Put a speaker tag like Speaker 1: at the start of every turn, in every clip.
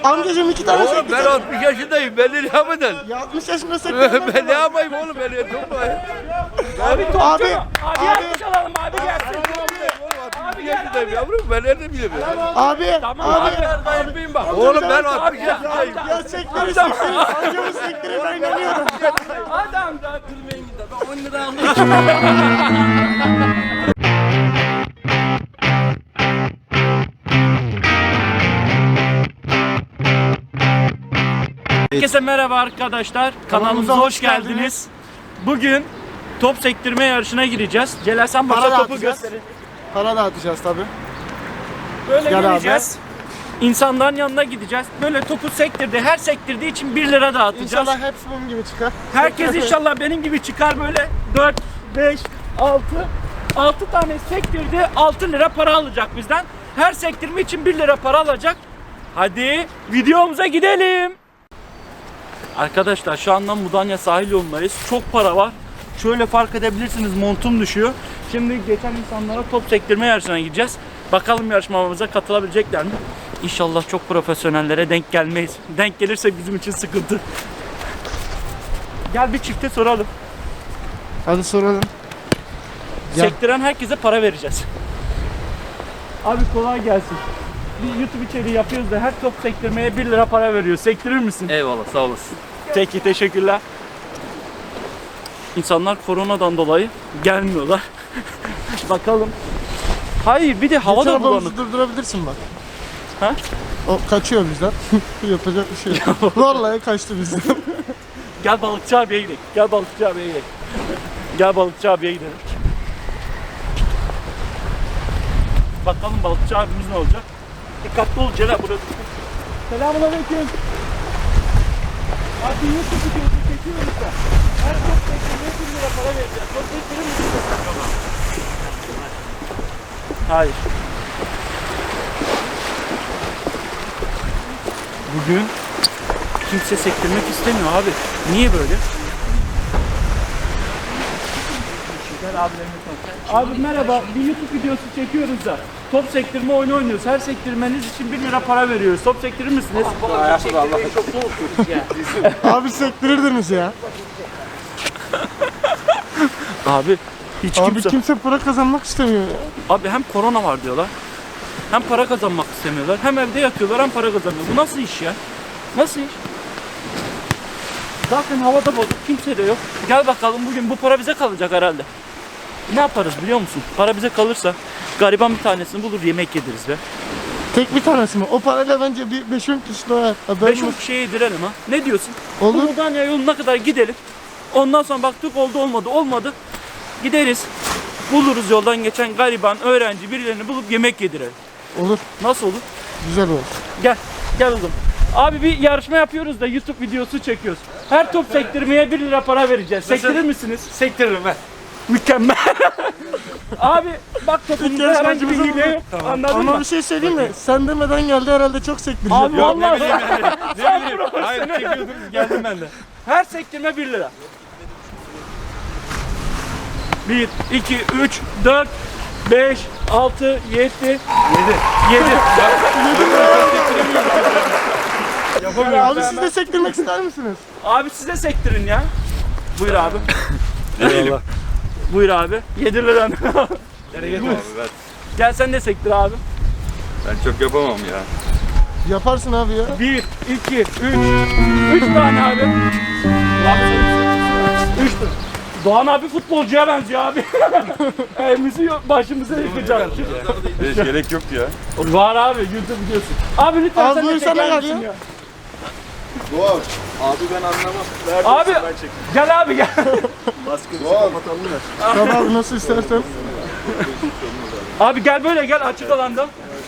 Speaker 1: Amcacığım 2 tane
Speaker 2: Oğlum
Speaker 1: sektir.
Speaker 2: ben 60 yaşındayım. Ben ne yapacağım?
Speaker 1: Ya 60 yaşında sektir.
Speaker 2: Ben ne yapayım oğlum? Ben yapıyorum.
Speaker 3: Abi topçu
Speaker 1: Abi,
Speaker 3: mu? Abi yardım alalım abi gelsin.
Speaker 2: Abi yaşındayım yavrum. Ben nerede bileyim ya?
Speaker 1: Abi,
Speaker 3: Tamam
Speaker 1: abi.
Speaker 3: abi dayımayın bak.
Speaker 2: Oğlum ben
Speaker 3: Abi
Speaker 2: 60
Speaker 3: ya.
Speaker 2: yaşındayım.
Speaker 1: Ya sektörü sektir. Amcamın sektörü ben inanıyorum.
Speaker 3: Adam da kırmayın gider. Ben 10 lira aldım. Herkese merhaba arkadaşlar. Kanalımıza hoş geldiniz. Bugün top sektirme yarışına gireceğiz. Celal sen
Speaker 1: Para
Speaker 3: başa topu
Speaker 1: dağıtacağız.
Speaker 3: gösterin.
Speaker 1: Para dağıtacağız tabii.
Speaker 3: Böyle
Speaker 1: Gel
Speaker 3: geleceğiz. İnsanların yanına gideceğiz. Böyle topu sektirdi. Her sektirdiği için 1 lira dağıtacağız.
Speaker 1: İnşallah hepsi bunun gibi çıkar.
Speaker 3: Herkes inşallah benim gibi çıkar böyle 4, 5, 6 tane sektirdi 6 lira para alacak bizden. Her sektirme için 1 lira para alacak. Hadi videomuza gidelim. Arkadaşlar şu anda Mudanya sahil yolundayız. Çok para var. Şöyle fark edebilirsiniz montum düşüyor. Şimdi geçen insanlara top sektirme yarışına gideceğiz. Bakalım yarışmamıza katılabilecekler mi? İnşallah çok profesyonellere denk gelmeyiz. Denk gelirse bizim için sıkıntı. Gel bir çifte soralım.
Speaker 1: Hadi soralım. Gel.
Speaker 3: Sektiren herkese para vereceğiz. Abi kolay gelsin. Bir YouTube içeriği yapıyoruz da her top sektirmeye 1 lira para veriyor. Sektirir misin?
Speaker 2: Eyvallah sağ olasın.
Speaker 3: Peki teşekkürler. İnsanlar koronadan dolayı gelmiyorlar. Bakalım. Hayır bir de hava da bulanık.
Speaker 1: Arabamızı durdurabilirsin bak.
Speaker 3: Ha?
Speaker 1: O kaçıyor bizden. Yapacak bir şey yok. Vallahi kaçtı bizden.
Speaker 3: Gel balıkçı abiye gidelim. Gel balıkçı abiye gidelim. Gel balıkçı abiye gidelim. Bakalım balıkçı abimiz ne olacak? Dikkatli ol Celal burası. Selamünaleyküm. Abi YouTube videosu çekiyoruz da. Her top sektirmeye 1 lira para vereceğiz. Top sektirir misiniz? Hayır. Bugün kimse sektirmek istemiyor abi. Niye böyle? Abi merhaba, bir YouTube videosu çekiyoruz da top sektirme oyunu oynuyoruz. Her sektirmeniz için 1 lira para veriyoruz. Top sektirir misiniz?
Speaker 1: Abi sektirirdiniz ya.
Speaker 3: Abi hiç
Speaker 1: Abi
Speaker 3: kimse...
Speaker 1: kimse para kazanmak istemiyor ya.
Speaker 3: Abi hem korona var diyorlar. Hem para kazanmak istemiyorlar. Hem evde yatıyorlar hem para kazanıyor. Bu nasıl iş ya? Nasıl iş? Zaten havada bozuk. Kimse de yok. Gel bakalım bugün bu para bize kalacak herhalde. Ne yaparız biliyor musun? Para bize kalırsa gariban bir tanesini bulur yemek yediririz be.
Speaker 1: Tek bir tanesi mi? O parayla bence bir 5-10 kişi doyar. Haberin
Speaker 3: 5-10
Speaker 1: olsun.
Speaker 3: kişiye yedirelim ha. Ne diyorsun?
Speaker 1: Olur.
Speaker 3: Bu Mudanya yoluna kadar gidelim. Ondan sonra baktık olmadı. Gideriz. Buluruz yoldan geçen gariban öğrenci birilerini bulup yemek yedirelim.
Speaker 1: Olur.
Speaker 3: Nasıl olur?
Speaker 1: Güzel olur.
Speaker 3: Gel oğlum. Abi bir yarışma yapıyoruz da YouTube videosu çekiyoruz. Her top sektirmeye 1 lira para vereceğiz. Sektirir misiniz?
Speaker 2: Sektiririm ben.
Speaker 3: Mükemmel. Abi bak topumuzda herhangi bir hile yok. Anladın
Speaker 1: Ama
Speaker 3: mı?
Speaker 1: bir şey söyleyeyim mi? Sen demeden geldi herhalde çok sektirecek.
Speaker 3: Abi
Speaker 2: Yok ne
Speaker 3: vallahi
Speaker 2: bileyim yani.
Speaker 3: sen
Speaker 2: Ne bileyim.
Speaker 3: profesyonel.
Speaker 2: Hayır çekiyordunuz geldim ben de.
Speaker 3: Her sektirme 1 lira. 1, 2, 3, 4, 5, 6, 7, 7.
Speaker 1: Abi siz de sektirmek ister misiniz?
Speaker 3: Abi size sektirin ya. Buyur abi.
Speaker 2: Eyvallah.
Speaker 3: Buyur abi. 7 lira.
Speaker 2: Abi ben,
Speaker 3: Gel sen de sektir abi.
Speaker 2: ben çok yapamam ya.
Speaker 1: Yaparsın abi ya.
Speaker 3: 1, 2, 3. 3 tane abi. 3 tane. Doğan abi futbolcuya benziyor abi. Elimizi başımıza yıkacağız.
Speaker 2: Hiç gerek yoktu ya.
Speaker 3: Var abi YouTube videosu. Abi lütfen
Speaker 1: Abi
Speaker 3: sen de
Speaker 1: buyursana
Speaker 3: çeker
Speaker 1: gel
Speaker 3: misin
Speaker 1: ya.
Speaker 3: ya?
Speaker 4: Doğal. Abi ben anlamam.
Speaker 3: Abi gel abi gel.
Speaker 4: Doğal.
Speaker 1: Tamam abi nasıl istersen.
Speaker 3: Abi gel böyle gel açık alanda.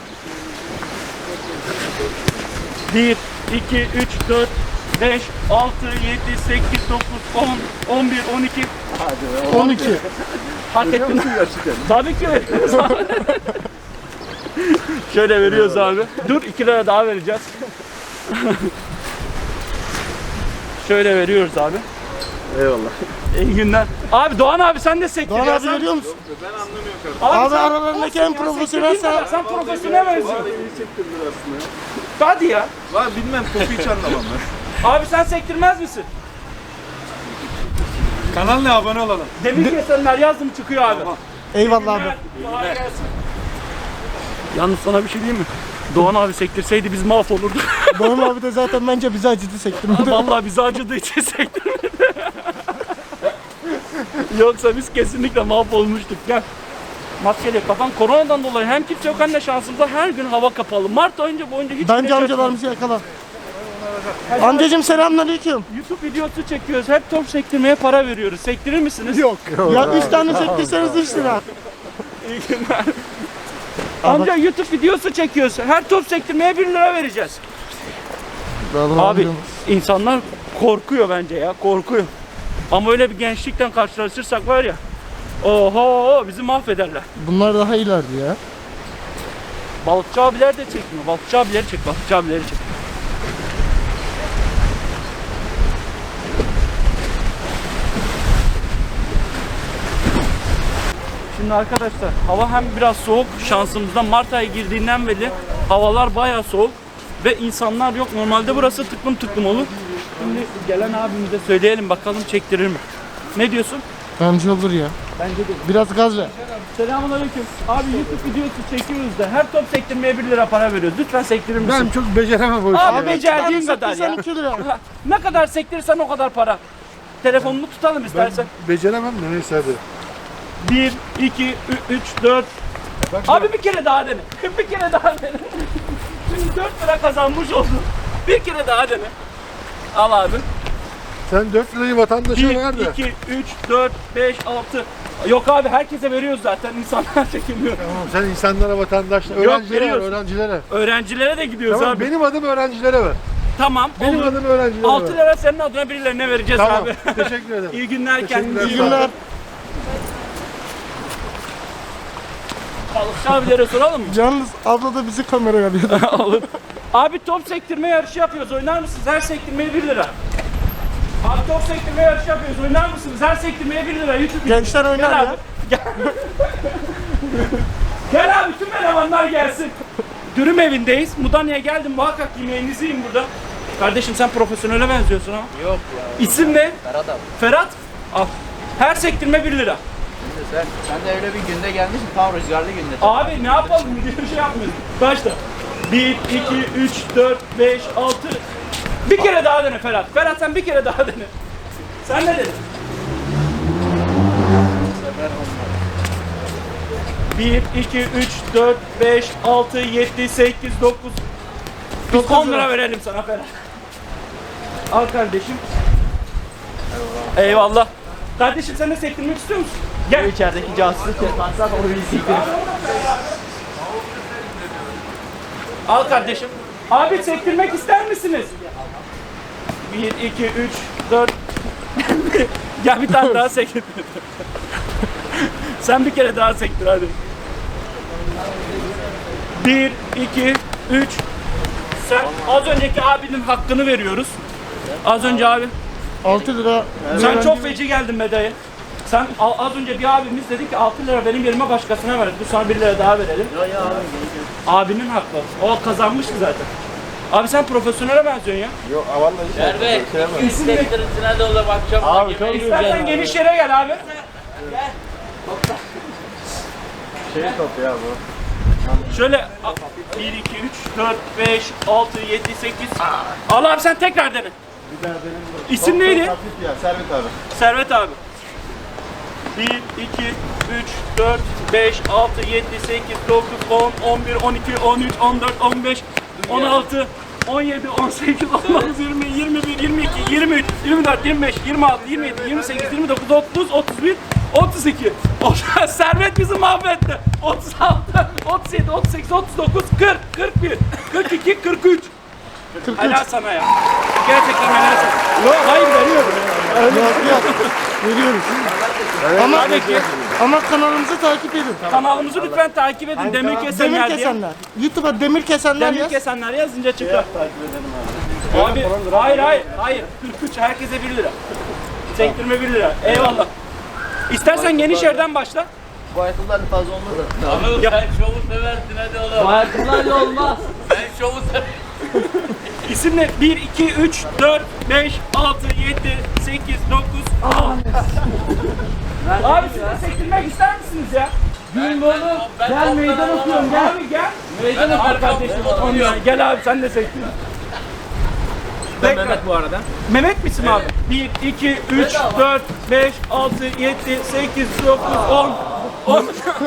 Speaker 3: 1, 2, 3, 4, 5, 6, 7, 8, 9, 10, 11, 12. Hadi be.
Speaker 1: 12.
Speaker 3: Hak ettin. Tabii ki veriyoruz abi. Şöyle veriyoruz abi. Dur 2 lira daha vereceğiz. Şöyle veriyoruz abi.
Speaker 4: Eyvallah.
Speaker 3: İyi günler. Abi Doğan abi sen de sektir.
Speaker 1: Doğan
Speaker 3: ya,
Speaker 1: abi
Speaker 3: sen-
Speaker 1: veriyor musun?
Speaker 4: Ben anlamıyorum kardeşim.
Speaker 1: Abi
Speaker 3: sen-
Speaker 1: aralarındaki en profesyonel
Speaker 3: Sektir,
Speaker 1: sen.
Speaker 3: Sen profesyonel misin?
Speaker 4: İyi çektirdiler aslında ya.
Speaker 3: Hadi ya.
Speaker 4: Lan bilmem topu hiç anlamam ben.
Speaker 3: Abi sen sektirmez misin?
Speaker 4: Kanalına abone olalım.
Speaker 3: Demir kesenler yazdım çıkıyor abi.
Speaker 1: Eyvallah abi.
Speaker 3: Kolay gelsin. Yalnız sana bir şey diyeyim mi? Doğan abi sektirseydi biz mahvolurduk.
Speaker 1: Doğan abi de zaten bence bizi acıdı sektirmedi.
Speaker 3: Vallahi bizi acıdığı için sektirmedi. Yoksa biz kesinlikle mahvolmuştuk. Gel. Maskeli kafan koronadan dolayı hem kimse yok hem de şansımıza her gün hava kapalı. Mart ayınca boyunca hiç
Speaker 1: Bence
Speaker 3: güneş
Speaker 1: amcalarımızı yakala. Amcacım selamünaleyküm.
Speaker 3: YouTube videosu çekiyoruz. Hep top sektirmeye para veriyoruz. Sektirir misiniz?
Speaker 1: Yok. Ya 3 tane sektirseniz 3 lira.
Speaker 3: İyi günler. Amca YouTube videosu çekiyoruz. Her top sektirmeye 1 lira vereceğiz. Abi insanlar korkuyor bence ya. Korkuyor. Ama öyle bir gençlikten karşılaşırsak var ya. Oho bizi mahvederler.
Speaker 1: Bunlar daha ileride ya.
Speaker 3: Balıkçı abiler de çekmiyor. Balıkçı abileri çek. Balıkçı abileri çek. Şimdi arkadaşlar hava hem biraz soğuk şansımızdan Mart ayı girdiğinden beri havalar bayağı soğuk ve insanlar yok. Normalde burası tıklım tıklım olur. Şimdi gelen abimize söyleyelim bakalım çektirir mi? Ne diyorsun?
Speaker 1: Bence olur ya.
Speaker 3: Bence de.
Speaker 1: Biraz gaz ver.
Speaker 3: Selamünaleyküm. Abi YouTube videosu çekiyoruz da her top sektirmeye 1 lira para veriyoruz. Lütfen sektirir misin?
Speaker 4: Ben çok beceremem bu işi.
Speaker 3: Abi
Speaker 4: ya.
Speaker 3: becerdiğin kadar ya.
Speaker 1: Sektirsen 2 lira.
Speaker 3: Ha, ne kadar sektirirsen o kadar para. Telefonunu tutalım istersen.
Speaker 4: Beceremem de neyse hadi.
Speaker 3: 1, 2, 3, 4. Abi bir kere daha dene. Bir kere daha dene. Şimdi 4 lira kazanmış oldun. Bir kere daha dene. Al abi.
Speaker 4: Sen 4 lirayı vatandaşa
Speaker 3: 1,
Speaker 4: ver de.
Speaker 3: 2, 3, 4, 5, 6. Yok abi herkese veriyoruz zaten. İnsanlar çekilmiyor.
Speaker 4: Tamam sen insanlara, vatandaşlara, öğrencilere ver,
Speaker 3: veriyoruz.
Speaker 4: öğrencilere.
Speaker 3: Öğrencilere de gidiyoruz
Speaker 4: Tamam
Speaker 3: abi.
Speaker 4: benim adım öğrencilere ver.
Speaker 3: Tamam.
Speaker 4: Benim
Speaker 3: olur.
Speaker 4: adım öğrencilere
Speaker 3: 6
Speaker 4: ver.
Speaker 3: lira senin adına birilerine vereceğiz
Speaker 4: Tamam
Speaker 3: abi.
Speaker 4: teşekkür ederim.
Speaker 3: İyi günler kendinize.
Speaker 1: İyi günler.
Speaker 3: Balıkçı abilere soralım mı?
Speaker 1: Yalnız abla da bizi kameraya alıyor.
Speaker 3: Olur. Abi top sektirme yarışı yapıyoruz. Oynar mısınız? Her sektirmeye 1 lira. Abi top sektirme yarışı yapıyoruz. Oynar mısınız? Her sektirmeye 1 lira. YouTube
Speaker 1: Gençler oynar
Speaker 3: Gel
Speaker 1: ya.
Speaker 3: abi. Gel. Gel abi tüm elemanlar gelsin. Dürüm evindeyiz. Mudanya'ya geldim. Muhakkak yemeğinizi yiyin burada. Kardeşim sen profesyonele benziyorsun ha.
Speaker 2: Yok ya.
Speaker 3: İsim ne?
Speaker 2: Ferhat abi.
Speaker 3: Ferhat. Al. Her sektirme 1 lira.
Speaker 2: Şimdi sen de öyle bir günde gelmişsin. Tam rüzgarlı günde.
Speaker 3: Abi ne yapalım? Bir şey yapmıyoruz. Başla. 1, 2, 3, 4, 5, 6. Bir kere daha dene Ferhat. Ferhat sen bir kere daha dene. Sen ne dedin? 1, 2, 3, 4, 5, 6, 7, 8, 9. Biz 10 lira verelim sana Ferhat. Al kardeşim. Eyvallah. Kardeşim sen de sektirmek istiyor musun? Gel.
Speaker 2: İçerideki casusluk yaparsan onu bir siktir.
Speaker 3: Al kardeşim. Abi sektirmek ister misiniz? 1, 2, 3, 4. Gel bir tane daha sektir. Sen bir kere daha sektir hadi. 1, 2, 3. Sen az önceki abinin hakkını veriyoruz. Az önce abi.
Speaker 1: 6 lira.
Speaker 3: Sen çok feci geldin be dayı. Sen az önce bir abimiz dedi ki 6 lira benim yerime başkasına ver. Bu sana 1 lira daha verelim. Abinin hakkı. O kazanmıştı zaten. Abi sen profesyonele benziyorsun ya.
Speaker 4: Yok vallahi.
Speaker 2: Merve,
Speaker 3: İsim ne?
Speaker 2: sektirintine de ola bakacağım.
Speaker 4: Abi çok
Speaker 3: İstersen geniş yere gel abi.
Speaker 4: şey top ya bu.
Speaker 3: Şöyle 1, 2, 3, 4, 5, 6, 7, 8. Al abi sen tekrar dene. İsim neydi?
Speaker 4: Hafif ya Servet abi.
Speaker 3: Servet abi. 1, 2, 3, 4, 5, 6, 7, 8, 9, 10, 11, 12, 13, 14, 15, 16, 17, 18, 19, 20, 21, 22, 23, 24, 25, 26, 27, 28, 29, 30, 31, 32. Servet bizi mahvetti. 36, 37, 38, 39, 40, 41, 42, 43. Helal sana ya. Gerçekten helal sana. Yok hayır veriyorum.
Speaker 1: Yok. Veriyoruz. Ama,
Speaker 3: Tabii ki.
Speaker 1: ama kanalımızı takip edin.
Speaker 3: Kanalımızı lütfen takip edin. Demir kesenler
Speaker 1: Demir
Speaker 3: diye.
Speaker 1: kesenler. YouTube'a demir kesenler
Speaker 3: Demir
Speaker 1: yaz.
Speaker 3: kesenler yazınca çıkar. Abi hayır. 43 herkese 1 lira. Sektirme 1 lira. Eyvallah. İstersen geniş yerden başla.
Speaker 2: Bu ayakkabılar fazla olmaz da. Abi sen şovu seversin hadi oğlum. Bu ayakkabılarla olmaz. Sen şovu seversin.
Speaker 3: İsimle 1, 2, 3, 4, 5, 6, 7, 8, 9, 10. Abi siz de sektirmek ister misiniz ya? Gündoğdu gel meydan okuyorum gel. Abi gel. Meydan oku kardeşim. Gel abi sen de sektir. Ben Mehmet bu arada. Mehmet misin abi? 1, 2, 3, 4, 5, 6, 7, 8, 9, 10.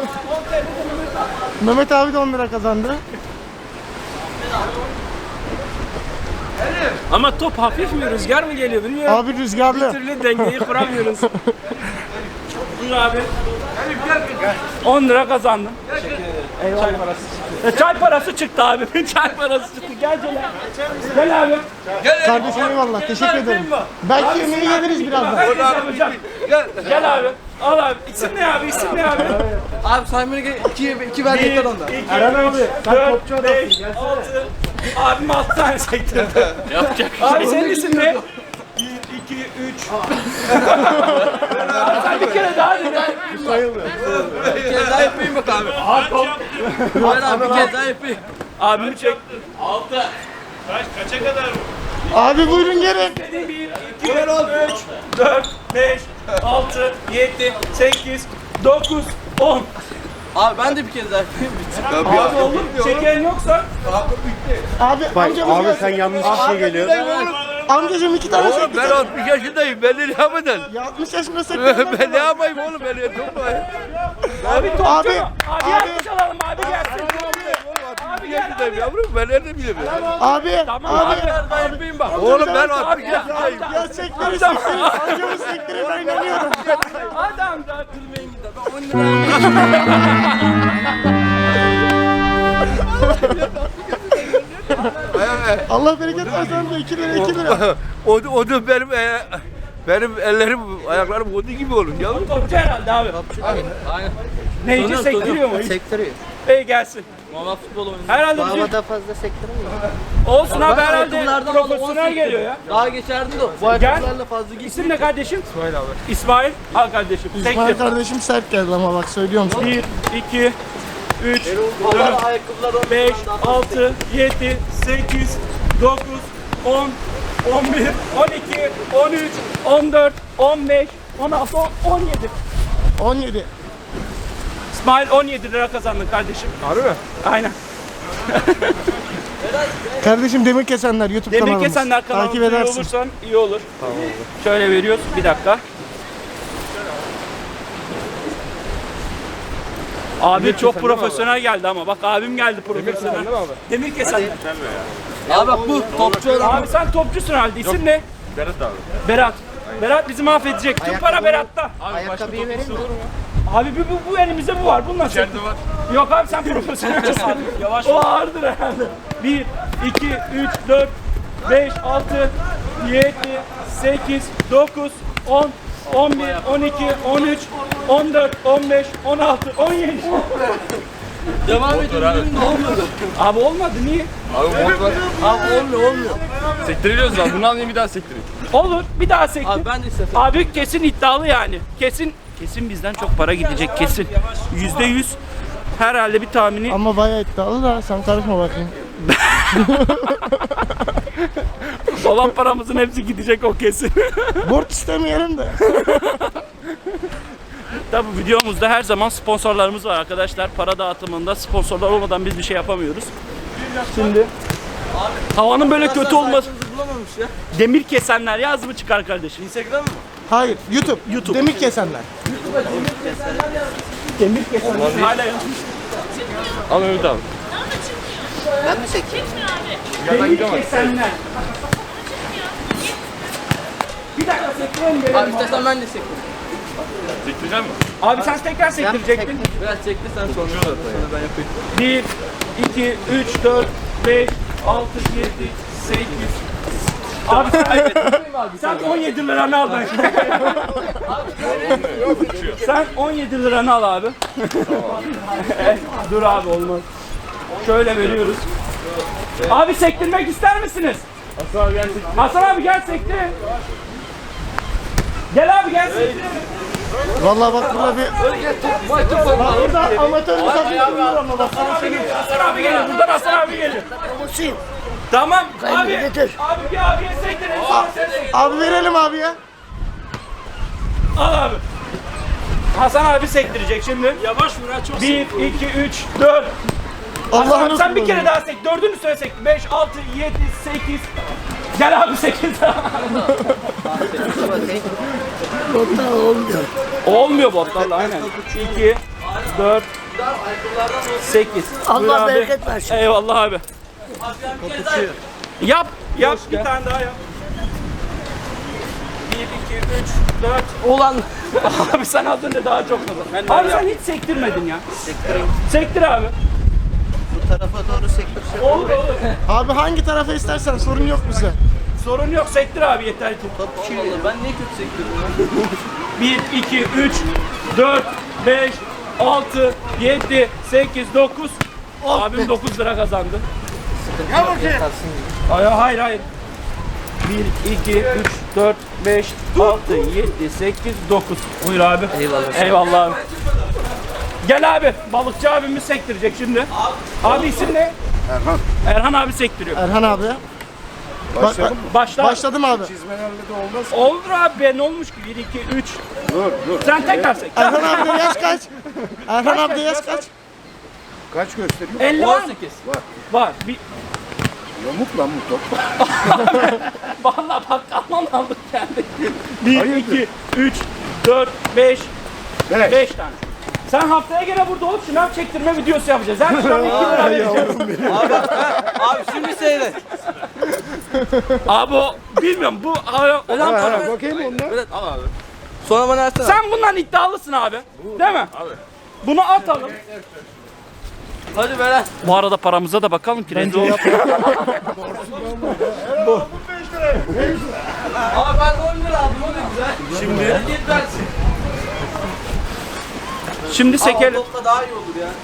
Speaker 1: Mehmet abi de 10 lira kazandı.
Speaker 3: Ama top hafif mi rüzgar mı geliyor bilmiyorum.
Speaker 1: Abi rüzgarlı.
Speaker 3: Bir türlü dengeyi kuramıyoruz. Buyur abi. 10 lira kazandım. Eyvallah. Çay parası çıktı. Çay parası çıktı abi. Çay parası çıktı. Gel Celal. Gel abi.
Speaker 1: Kardeşim eyvallah. Teşekkür ederim. Belki yemeği yeniriz birazdan.
Speaker 3: Ben de yapacağım. Gel abi. Al abi. İsim ne abi? İsim ne abi?
Speaker 5: Abi Simon'a iki ver yeter onda.
Speaker 1: Eren abi. Sen topçu
Speaker 3: 4,
Speaker 1: adamsın.
Speaker 3: 5, 6. Abim 6 tane sektirdi. Yapacak. Abi senin isim ne? 1, 2, 3. Abi sen bir kere daha dedin.
Speaker 5: Bir kez daha yapayım bak abi. Hayır abi bir kez daha yapayım.
Speaker 3: Abimi çek.
Speaker 1: Abi buyurun gelin.
Speaker 3: 1, 2, 3, 4, 5, 6, 7, 8, 9, 10.
Speaker 5: Abi ben de bir kez daha yapayım.
Speaker 3: Abi olur. Şekerin yoksa
Speaker 1: Abi amcamız gelsin.
Speaker 4: Sen yanlış kişiye geliyor.
Speaker 1: Amcacım 2 tane
Speaker 2: Oğlum ben
Speaker 1: sekti.
Speaker 2: 60 yaşındayım. Ben ne yapacağım?
Speaker 1: Ya 60 yaşında sekti.
Speaker 2: Ben ne yapayım oğlum? Ben yapıyorum.
Speaker 3: abi topçu
Speaker 1: Abi,
Speaker 3: mu? Abi
Speaker 1: abi.
Speaker 3: alkış alalım abi gelsin. Abi gel
Speaker 2: yaşındayım
Speaker 3: abi.
Speaker 2: yavrum. Ben nerede bileyim?
Speaker 1: Abi.
Speaker 3: Tamam
Speaker 1: Abi.
Speaker 3: abi.
Speaker 5: Daha yapayım bak.
Speaker 2: Oğlum ben
Speaker 3: Abi
Speaker 2: 60
Speaker 3: gel.
Speaker 2: yaşındayım.
Speaker 1: Ya sektiririz sektiririz. Amcamız sektirir ben inanıyorum.
Speaker 3: Adam da kırmayın gider. Ben 10 lira.
Speaker 1: Allah bereket versin amca 2 lira 2 lira.
Speaker 2: O da benim ellerim, ayaklarım olduğu gibi olur yavrum.
Speaker 3: Topçu herhalde abi.
Speaker 5: Aynen.
Speaker 3: Neyci sektiriyor mu?
Speaker 5: Sektiriyor.
Speaker 3: Ey gelsin.
Speaker 5: Normal futbol oynuyor.
Speaker 3: Herhalde bizim...
Speaker 5: Daha fazla sektiremiyor.
Speaker 3: Olsun abi
Speaker 5: Ben
Speaker 3: herhalde
Speaker 5: ayakkabılardan aldım,
Speaker 3: profesyonel
Speaker 5: 18
Speaker 3: geliyor ya.
Speaker 5: Daha geçerdim de bu
Speaker 3: Gel.
Speaker 5: ayakkabılarla fazla gitmiyor.
Speaker 3: İsim ne kardeşim? İsmail abi. İsmail. Al kardeşim.
Speaker 1: İsmail
Speaker 3: Sektir.
Speaker 1: kardeşim sert geldi ama bak söylüyorum sana.
Speaker 3: 1, 2, 3,
Speaker 5: Vallahi ayakkabılar
Speaker 3: 5, 6, 7, 8, 9, 10, 11, 12, 13, 14, 15, 16, 17.
Speaker 1: 17.
Speaker 3: İsmail 17 lira kazandın kardeşim. Harbi mi? Aynen.
Speaker 1: Kardeşim Demir Kesenler YouTube
Speaker 3: Demir
Speaker 1: kanalımız.
Speaker 3: Kesenler kanalına
Speaker 1: Takip
Speaker 3: üye
Speaker 1: edersin.
Speaker 3: olursan iyi olur. Tamam. Şöyle veriyoruz. Bir dakika. Abi çok profesyonel geldi ama bak abim geldi profesyonel. Demir Kesenler.
Speaker 5: Abi bak bu topçu adam.
Speaker 3: Abi sen topçusun halde. İsim ne?
Speaker 2: Berat abi.
Speaker 3: Berat. Berat bizi mahvedecek. Tüm para Berat'ta.
Speaker 5: Ayakkabıyı vereyim mi?
Speaker 3: Abi bu elimizde bu var. Bununla İçeride var. Yok abi sen profesyonelsin. Yavaş. O ağırdır herhalde. 1, 2, 3, 4, 5, 6, 7, 8, 9, 10, 11, 12, 13, 14, 15, 16, 17.
Speaker 5: Devam edin. Olmadı.
Speaker 3: Abi olmadı niye?
Speaker 5: Abi olmuyor.
Speaker 2: Sektiriliyoruz abi. Bunu alayım bir daha sektireyim.
Speaker 3: Olur bir daha sektir.
Speaker 5: Abi ben de istedim.
Speaker 3: Abi kesin iddialı yani. Kesin bizden çok para gidecek kesin. %100 herhalde bir tahmini.
Speaker 1: Ama bayağı iddialı da sen karışma bakayım.
Speaker 3: Olan paramızın hepsi gidecek o kesin.
Speaker 1: Borç istemeyelim de.
Speaker 3: Tabi videomuzda her zaman sponsorlarımız var arkadaşlar. Para dağıtımında sponsorlar olmadan biz bir şey yapamıyoruz. Şimdi havanın böyle kötü olması.
Speaker 5: Bulamamış ya.
Speaker 3: Demir Kesenler yaz mı çıkar kardeşim?
Speaker 5: Instagram mı?
Speaker 1: Hayır YouTube.
Speaker 3: YouTube.
Speaker 1: Demir Kesenler.
Speaker 3: Demir Kesenler hala yanlış.
Speaker 2: Al Mehmet abi.
Speaker 5: Ben mi çekeyim?
Speaker 3: Demir Kesenler. Bir dakika sektirelim
Speaker 5: Abi
Speaker 3: gelelim.
Speaker 5: istersen ben de sekeyim.
Speaker 2: Sektireceğim mi?
Speaker 3: Abi sen tekrar sektirecektin.
Speaker 5: Biraz çekti sen sonra ben yapayım.
Speaker 3: 1, 2, 3, 4, 5, 6, 7, 8. Abi sen 17 liranı al ben. Sen 17 liranı al abi. Dur abi olmaz. Şöyle veriyoruz. Abi sektirmek ister misiniz?
Speaker 2: Hasan abi gel sektir.
Speaker 3: Hasan abi gel sektir. Gel abi gel sektir.
Speaker 1: Vallahi bak burada bir... Bak burada amatör bir takım var ama bak.
Speaker 3: Hasan abi gelir. Buradan Hasan abi gelir. Tamam abi.
Speaker 5: getir.
Speaker 3: Abi bir abiye sektirelim. Sonra sen sektir.
Speaker 1: Abi verelim abi ya.
Speaker 3: Al abi. Hasan abi sektirecek şimdi. Yavaş vur ha çok 1, 2, 3, 4. Hasan
Speaker 1: Allah'ını
Speaker 3: abi sen bir kere daha sek. Dördünü söyle sek. 5, 6, 7, 8. Gel abi 8. Olmuyor botlarla aynen. 2, 4, 8.
Speaker 5: Allah bereket versin.
Speaker 3: Eyvallah abi. Yap bir tane daha yap. 1, 2, 3, 4.
Speaker 5: Ulan
Speaker 3: Abi sen az önce daha çok kazandın. Abi sen hiç sektirmedin ya. Sektir abi.
Speaker 5: bu tarafa doğru sektirse.
Speaker 3: Olur.
Speaker 1: Abi hangi tarafa istersen sorun yok bize.
Speaker 3: Sorun yok sektir abi yeter ki.
Speaker 5: Olur. Ben niye kötü sektirdim?
Speaker 3: 1, 2, 3, 4, 5, 6, 7, 8, 9. Abim 9 lira kazandı. Hayır. 1, 2, 3, 4, 5, 6, 7, 8, 9. Buyur abi. Eyvallah abi. Gel abi. Balıkçı abimiz sektirecek şimdi. Abi isim ne?
Speaker 4: Erhan.
Speaker 3: Erhan abi sektiriyor.
Speaker 1: Erhan abi ya.
Speaker 3: Başla.
Speaker 1: Başladım abi.
Speaker 4: Çizmelerle de olmaz.
Speaker 3: Olur abi be ne olmuş ki? 1, 2, 3.
Speaker 4: Dur.
Speaker 3: Sen tekrar sek.
Speaker 1: Erhan abi de yaş kaç? Erhan abi de yaş kaç?
Speaker 4: Kaç gösteriyor?
Speaker 3: 50 var mı? Var. Bir...
Speaker 4: Yamuk lan bu top.
Speaker 3: Vallahi bak aman aldık kendi. 1, 2, 3, 4, 5, 5 tane. Sen haftaya gene burada olup şınav çektirme videosu yapacağız. Her şınav 2 lira vereceğiz.
Speaker 5: Abi şimdi seyret.
Speaker 3: Abi o bilmiyorum bu olan para.
Speaker 4: Bakayım ondan.
Speaker 5: Evet al abi. Sonra bana versene.
Speaker 3: Sen bundan iddialısın abi. Değil mi? Abi. Bunu atalım.
Speaker 5: Hadi Beren.
Speaker 3: Bu arada paramıza da bakalım ki rezil olmayalım.
Speaker 5: Abi ben 10 lira aldım o da güzel. Şimdi. Git versin.
Speaker 3: Şimdi sekelim.
Speaker 5: Topla daha iyi olur ya.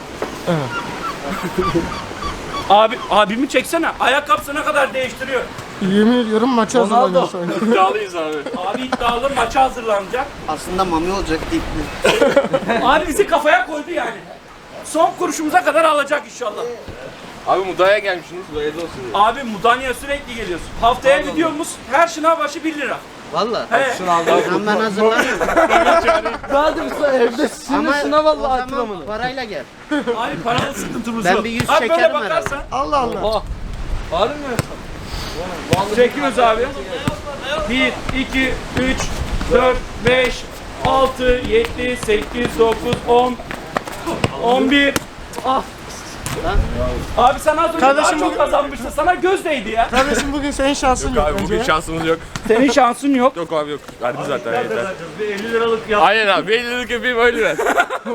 Speaker 3: Abimi çeksene. Ayakkabısı ne kadar değiştiriyor.
Speaker 1: Yemin ediyorum maça hazırlanıyor sonra.
Speaker 3: İddialıyız abi. Abi iddialı maça hazırlanacak.
Speaker 5: Aslında mami olacak deyip.
Speaker 3: Abi bizi kafaya koydu yani. Son kuruşumuza kadar alacak inşallah.
Speaker 2: Abi Mudanya gelmişsiniz. Hayırlı olsun.
Speaker 3: Abi Mudanya'ya sürekli geliyorsun. Haftaya gidiyoruz. Her şınav başı 1 lira.
Speaker 5: Valla.
Speaker 3: He.
Speaker 5: Ben hazırlanıyorum. Hadi sen evde
Speaker 6: Ama
Speaker 5: sınav
Speaker 6: o
Speaker 5: Allah
Speaker 6: zaman
Speaker 5: atlamını.
Speaker 6: parayla gel.
Speaker 3: Abi paralı sıkıntımız
Speaker 6: Ben
Speaker 3: yok.
Speaker 6: bir 100
Speaker 3: abi böyle
Speaker 6: çekerim
Speaker 3: bakarsan
Speaker 1: Allah Allah.
Speaker 5: Var mı?
Speaker 3: çekiyoruz abi. 1, 2, 3, 4, 5, 6, 7, 8, 9, 10, 11. Ah. Abi sen az önce
Speaker 1: Kardeşim
Speaker 3: daha çok
Speaker 1: bu-
Speaker 3: kazanmıştın. Sana göz değdi ya.
Speaker 1: Kardeşim bugün senin şansın yok.
Speaker 2: Abi
Speaker 1: bence
Speaker 2: bugün
Speaker 1: ya.
Speaker 2: şansımız yok.
Speaker 3: Senin şansın yok.
Speaker 2: Yok abi yok. Verdi zaten yeter.
Speaker 3: Bir 50 liralık yap.
Speaker 2: Aynen abi. 50 liralık yapayım öyle ver.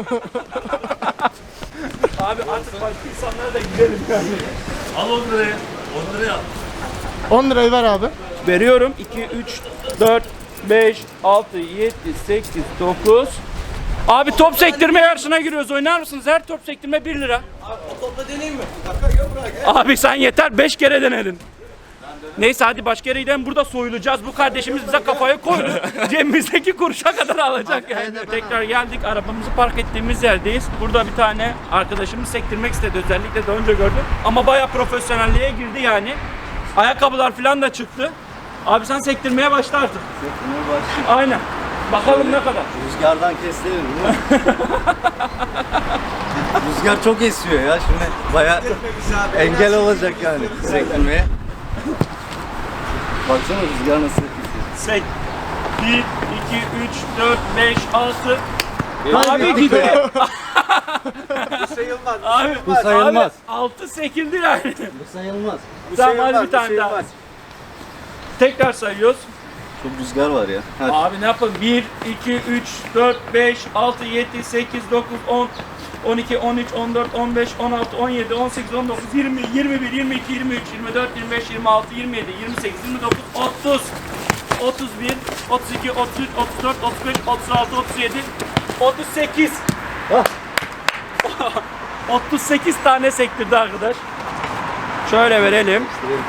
Speaker 3: Abi artık başka insanlara da gidelim yani. Al 10 liraya. 10 liraya al.
Speaker 1: 10 lirayı ver abi.
Speaker 3: Veriyorum. 2, 3, 4, 5, 6, 7, 8, 9. Abi top sektirme yarışına giriyoruz. Oynar mısınız? Her top sektirme 1 lira.
Speaker 5: Abi o topla deneyeyim mi?
Speaker 3: Abi sen yeter 5 kere denedin. Neyse hadi başka yere gidelim. Burada soyulacağız. Bu kardeşimiz bize kafayı koydu. Cebimizdeki kuruşa kadar alacak yani. Tekrar geldik. Arabamızı park ettiğimiz yerdeyiz. Burada bir tane arkadaşımız sektirmek istedi. Özellikle de önce gördüm. Ama bayağı profesyonelliğe girdi yani. Ayakkabılar falan da çıktı. Abi sen sektirmeye başla artık.
Speaker 4: Sektirmeye başlayayım.
Speaker 3: Aynen. Bakalım ne kadar.
Speaker 4: Rüzgardan kestirelim değil mi? Rüzgar çok esiyor ya şimdi baya engel olacak yani sektirmeye. Baksana rüzgar nasıl esiyor.
Speaker 3: Sek. 1, 2, 3, 4, 5, 6. Abi gidiyor.
Speaker 4: Sayılmaz.
Speaker 3: Abi,
Speaker 4: Bu sayılmaz.
Speaker 3: Abi, 6 sekildi yani.
Speaker 4: Bu sayılmaz.
Speaker 3: Tamam hadi bir tane daha. Tekrar sayıyoruz.
Speaker 4: Çok rüzgar var ya.
Speaker 3: Abi ne yapalım? 1, 2, 3, 4, 5, 6, 7, 8, 9, 10, 12, 13, 14, 15, 16, 17, 18, 19, 20, 21, 22, 23, 24, 25, 26, 27, 28, 29, 30, 31, 32, 33, 34, 35, 36, 37, 38. 38 tane sektirdi arkadaş. Şöyle verelim.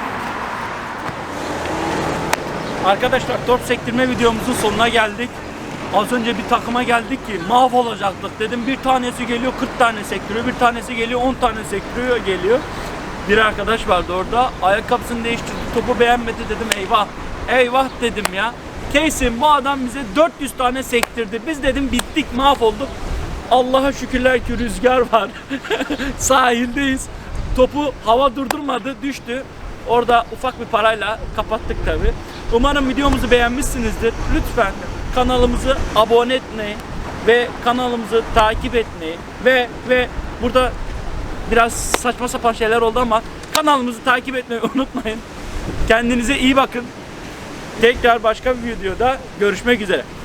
Speaker 3: Arkadaşlar top sektirme videomuzun sonuna geldik. Az önce bir takıma geldik ki mahvolacaktık dedim. Bir tanesi geliyor 40 tane sektiriyor, bir tanesi geliyor 10 tane sektiriyor geliyor. Bir arkadaş vardı orada. Ayakkabısını değiştirdi. Topu beğenmedi, dedim eyvah. Eyvah dedim ya. Kesin bu adam bize 400 tane sektirdi. Biz dedim bittik, mahvolduk. Allah'a şükürler ki rüzgar var. Sahildeyiz. Topu hava durdurmadı, düştü. Orada ufak bir parayla kapattık tabi. Umarım videomuzu beğenmişsinizdir. Lütfen kanalımızı abone etmeyi ve kanalımızı takip etmeyi ve burada biraz saçma sapan şeyler oldu ama kanalımızı takip etmeyi unutmayın. Kendinize iyi bakın. Tekrar başka bir videoda görüşmek üzere.